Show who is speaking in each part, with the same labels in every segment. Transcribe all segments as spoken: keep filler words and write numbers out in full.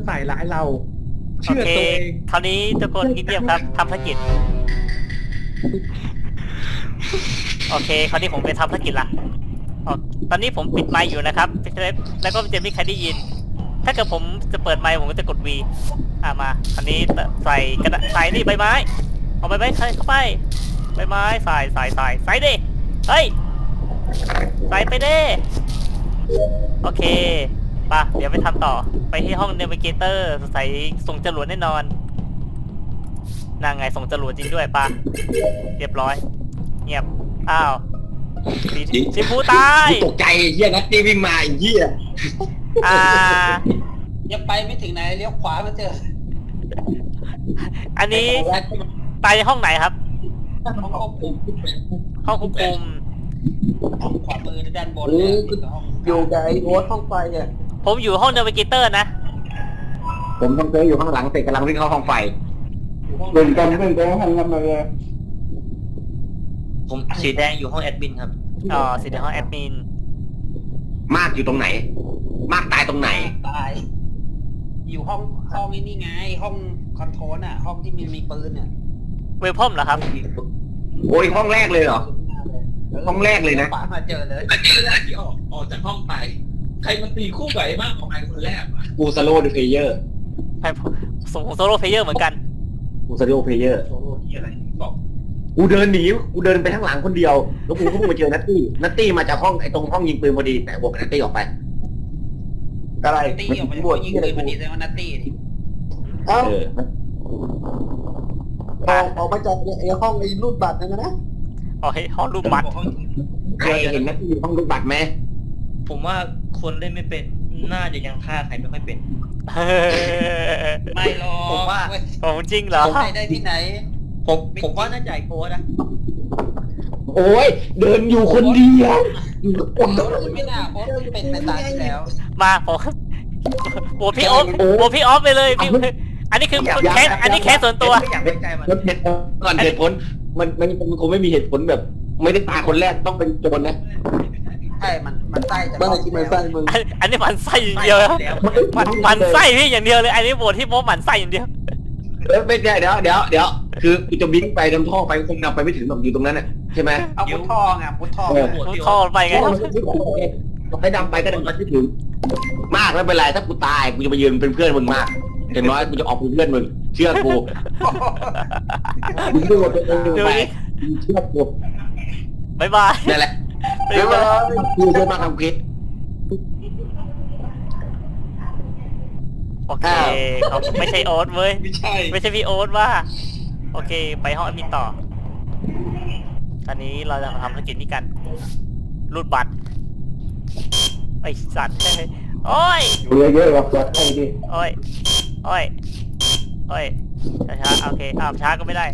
Speaker 1: ใส่ร้ายเรา
Speaker 2: โอ
Speaker 1: เชื่อ
Speaker 2: เค
Speaker 1: ตัวเอง
Speaker 2: คราวนี้ทุกคนเงียบๆครับทำภารกิจโอเคคราวนี้ผมไปทำภารกิจละอ๋อตอนนี้ผมปิดไมค์อยู่นะครับแล้วก็จะไม่มีใครได้ยิน ถ้าเกิดผมจะเปิดไมค์ผมก็จะกด V อ่ามาคราวนี้ใส่กระดาษใส่นี่ใบไม้เอาใบไม้ใส่เข้าไปใบไม้ใส่ใส่ใส่ใส่ดิเฮ้ยใส่ไปดิโอเคป่ะเดี๋ยวไปทำต่อไปที่ห้องเนวิเกเตอร์ใส่ส่งจรวดแน่นอนนางไงส่งจรวดจริงด้วยป่ะเรียบร้อยเงียบอ้าวสีชมพูตาย
Speaker 3: ตกใจเฮียนัตตี้วิ่งมาไอ้เฮีย
Speaker 2: อ่า
Speaker 4: ยังไปไม่ถึงไหนเลี้ยวขวามาเจอ
Speaker 2: อันนี้ตายในห้องไหนครับ
Speaker 4: ห้องควบคุม
Speaker 2: ห้องควบคุม
Speaker 4: ห้องขวามือด้านบน
Speaker 1: โอ้
Speaker 4: เนี่ยห้อง
Speaker 1: อยู่กับไอ้โอ๊ตห้องไฟอ่ะ
Speaker 2: ผมอยู่ห้องเนวิเกเตอร์นะ
Speaker 3: ผมทำเตยอยู่ข้างหลังเตะกำลังวิ่งเข้าห้องไฟ
Speaker 1: เล่นกันเล่นกันทำกันเลย
Speaker 5: ผมสีแดงอยู่ห้องแอดมินครับ
Speaker 2: อ๋อสิในห้องแอดมิน
Speaker 3: มากอยู่ตรงไหน มากตายตรงไหน
Speaker 4: ตาย อยู่ห้องห้องนี่ไง ห้องคอนโทรลอ่ะ ห้องที่มีมีปืนอ่ะ
Speaker 2: เวลพอมเหรอครับ
Speaker 3: โอ้ยห้องแรกเลยเหรอ ห้องแรกเลยนะ
Speaker 4: ขวามาเจอเลย
Speaker 6: อันนี้เวลาที่ออกออกจากห้องไป ใครมันตีคู่กับไอ้มากของไอ้คนแรกวะ
Speaker 3: กูสโลว์เพลเยอร์
Speaker 2: ไปส่งโซโล่เพลเยอร์เหมือนกัน
Speaker 3: กูสโลว์เพลเยอร์
Speaker 6: โซโล่ที่อะไรบอก
Speaker 3: กูเดินหนีกูเดินไปข้างหลังคนเดียวแล้วกูก็ไปเจอนัตตี้นัตตี้มาจากห้องไอ้ตรงห้องยิงปืนพอดีแต่บวกกับนัตตี้ออกไป
Speaker 1: อะไร
Speaker 4: ตี้ออกมาจากห้องยิงปืนมันดีแต่ว่านัตตี้ดิ
Speaker 1: เอ้า
Speaker 3: เออ
Speaker 1: ออกออกมาจากไอ้ห้องไอ้รูดบัตรนั่นนะ
Speaker 2: อ๋อให้ห้องรูปบัตร
Speaker 4: ห้อง
Speaker 3: ใครเห็นนัตตี้อยู่ห้องลูกบัตรไหม
Speaker 5: ผมว่าคนเล่นไม่เป็นน่าจะยังฆ่าใครไม่ค่อยเป็น
Speaker 4: ไม่หรอก
Speaker 5: ผมว่า
Speaker 4: เว้ย
Speaker 2: ของจริงเหรอ
Speaker 4: ใครได้ที่ไหน
Speaker 5: ผมผมว่าน่าจะไอ้โค้ดนะ
Speaker 3: โอ้ยเดินอยู่คนเดียวอยู่กับคน
Speaker 4: โค้ชไม่น่าโค้ชเป็นไปตามที่แล้ว
Speaker 2: มาผมโหวตพี่ออฟโหวตพี่ออฟไปเลยพี่อันนี้คือแคสอันนี้แคสส่วนตัว
Speaker 5: ไม่อยากไว้ใจมัน
Speaker 3: รถเหตุผลก่อนเหตุผลมันมันมันคงไม่มีเหตุผลแบบ ไม่ได้ตายคนแรกต้องเป็นโจรนะ
Speaker 4: ใช่มันมันใต้จะ
Speaker 1: บ้านไหนที่มันไส้มึง
Speaker 2: อันอันนี้หมันไส้อย่างเดียวครับ
Speaker 5: แล้ว
Speaker 2: มันหมันไส้พี่อย่างเดียวเลย อันนี้โหวตที่โป๊หมันไส้อย่างเดียว
Speaker 3: เออไม่ได้เดี๋ยวเดี๋ยวเดี๋ยวคือกูจะบินไปดำท่อไปคงนำไปไม่ถึงแบบอยู่ตรงนั้นน่ะใช่ไหม
Speaker 4: เอาพุททองอ่ะพุททอง
Speaker 3: เออ
Speaker 5: โหวต
Speaker 2: มุด
Speaker 5: พี่
Speaker 2: ท่อ
Speaker 5: โอ๊ต
Speaker 2: ไปไงครับ
Speaker 3: ให้ดำไปก็ดำไปไม่ถึง มากไม่เป็นไรถ้ากูตายกูจะไปยืนเป็นเพื่อนมึงมากอย่างน้อยกูจะออกเป็นเพื่อนมึงเชื่อกูมึงดูว่าเป็นมึงไปเชื่อกู
Speaker 2: บายบาย
Speaker 3: นั่นแหละ
Speaker 2: บ๊ายบาย
Speaker 3: กูจะมาทำคลิป
Speaker 2: โอเคเขาไม่ใช่โอ๊ตเว้ย
Speaker 6: ไม่ใช่
Speaker 2: ไม่ใช่พี่โอ๊ตว่า โอเค ไปห้องแอดมินต่อ ตอนนี้เราจะมาทำภารกิจนี้กัน รูดบัตร ไอสัตว์โอ้ย
Speaker 3: เยอะเยอะแบบไอ้ดิ
Speaker 2: โอ้ย โอ้ย โอ้ย ช้าๆโอเคอ้าวช้าก็ไม่ได้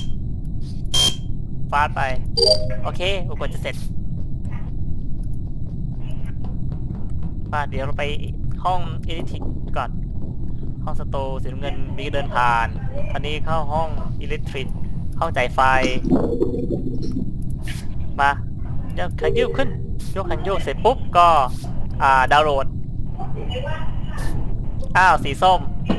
Speaker 2: ฟาดไป โอเคอุปกรณ์จะเสร็จมาเดี๋ยวเราไปห้องเอดิทิกก่อน ห้องสโตร์สีน้ำเงินมีเดินผ่านอันนี้เข้าห้องอิเล็กทริกห้องจ่ายไฟ มายกขันโยกขึ้น ยกขันโยกเสร็จปุ๊บก็อ่าดาวน์โหลด อ้าวสีส้ม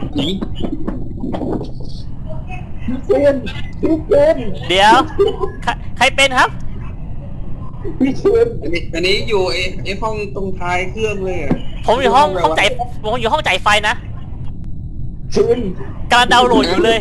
Speaker 1: พี่เชนพี่เชน
Speaker 2: เดี๋ยวใครใครเป็นครับ
Speaker 1: พี่เชน
Speaker 6: อันนี้อันนี้อยู่ไอ้ไอ้ห้องตรงท้ายเครื่องเลยอะ
Speaker 2: ผมอยู่ห้องห้องจ่ายผมอยู่ห้องจ่ายไฟนะ
Speaker 1: เชน
Speaker 2: กำลังดาวน์โหลดอยู่เลย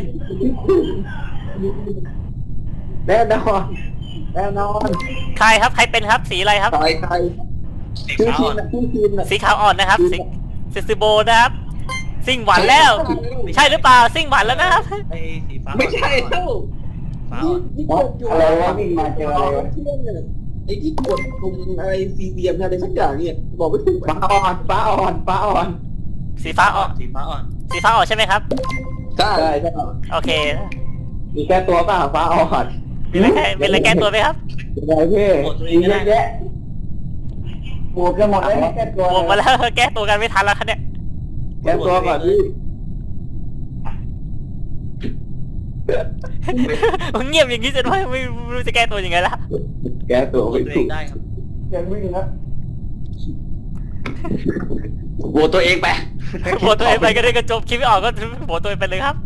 Speaker 1: แน่นอนแน่นอน
Speaker 2: ใครครับใครเป็นครับสีอะไรครับ
Speaker 1: ใครใคร
Speaker 5: สี
Speaker 1: ชื่อ
Speaker 5: ขาว
Speaker 1: ทีม
Speaker 5: อ่ะ
Speaker 1: นะชื่อทีมนะ
Speaker 2: สีขาวอ่อนนะครับสีเซซิโบนะครับ ซิ่งหวานแล้ว ใช่หรือเปล่าซิ่งหวานแล้วนะครับ
Speaker 5: ไอ้สีฟ้า
Speaker 6: ไม่ใช่เท่า
Speaker 5: ฟ้า
Speaker 1: นี่
Speaker 5: อ่อน
Speaker 1: นี่กดอยู่อะไรวะวิ่งมาเจออะไรวะเชื่อเนี่ยไอ้ที่กดตรงอะไรซีเดียมอะไรสักอย่างเนี่ยบอกไม่ถูกฟ้าอ่อนฟ้าอ่อนฟ้าอ่อน
Speaker 2: สีฟ้าอ่อน
Speaker 5: สีฟ้าอ่อน
Speaker 2: สีฟ้าอ่อนใช่ไหมครับ
Speaker 1: ใช่ใช่
Speaker 2: โอเค
Speaker 1: มีแค่ตัวป่ะฟ้าอ่อน
Speaker 2: มีอะไรแก้มีอะไรแก้ตัวไหมครับ
Speaker 1: อะไรพี่มีเยอะแยะบวกกันหมดแล้วแก้ตัว
Speaker 2: บวกมาแล้ว แก้ตัวกันไม่ทันแล้วครับเนี่ย
Speaker 1: แก้ตัวก่อนพี่
Speaker 2: เงียบอย่างนี้จะไม่ไม่ไม่รู้จะแก้ตัวยังไงละ
Speaker 1: แก้ตัว
Speaker 5: โหว
Speaker 1: ไม่
Speaker 5: ตตัวเอ
Speaker 1: ถู
Speaker 5: ง
Speaker 1: ก
Speaker 5: ได้ครับ
Speaker 1: แกวิ่งนะ
Speaker 3: โหวตตัวเองไป
Speaker 2: โหวตตัวเองไปก็ได้กระจบคิดไม่ออกก็โหวตตัวเองไปเลยครับ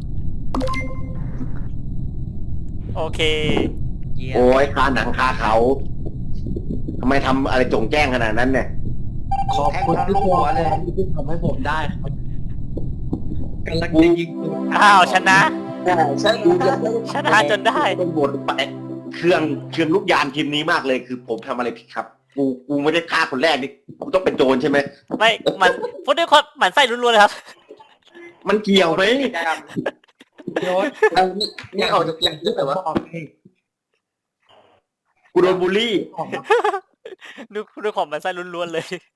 Speaker 2: โอเค
Speaker 5: เยี่ยม
Speaker 3: โอ้ยคาหนังคาเขาทำไมทำอะไรจงแจ้งขนาดนั้นเนี่ย
Speaker 1: ขอบคุณทุกคนเลยที่ทำให้ผมได้ครับ
Speaker 5: กำลังจะยิงตัว
Speaker 2: อ้าวชนะ
Speaker 1: ใช่ใช่
Speaker 2: ชนะจนได้
Speaker 3: เป็นบทไปเครื่องเครื่องลูกยานทีมนี้มากเลยคือผมทำอะไรผิดครับ กูกูไม่ได้ฆ่าคนแรกนี่กูต้องเป็นโจรใช่ไหม
Speaker 2: ไม่มันพูดด้วยความหมั่นไส้ล้วนๆเลยครับ
Speaker 3: มันเกี่ยวไหม
Speaker 4: โยน
Speaker 1: นี่ออกจากอย่างที่แบบว่า
Speaker 3: กูโดนบูลลี่
Speaker 2: ดูด้วยความหมั่นไส้ล้วนๆเลย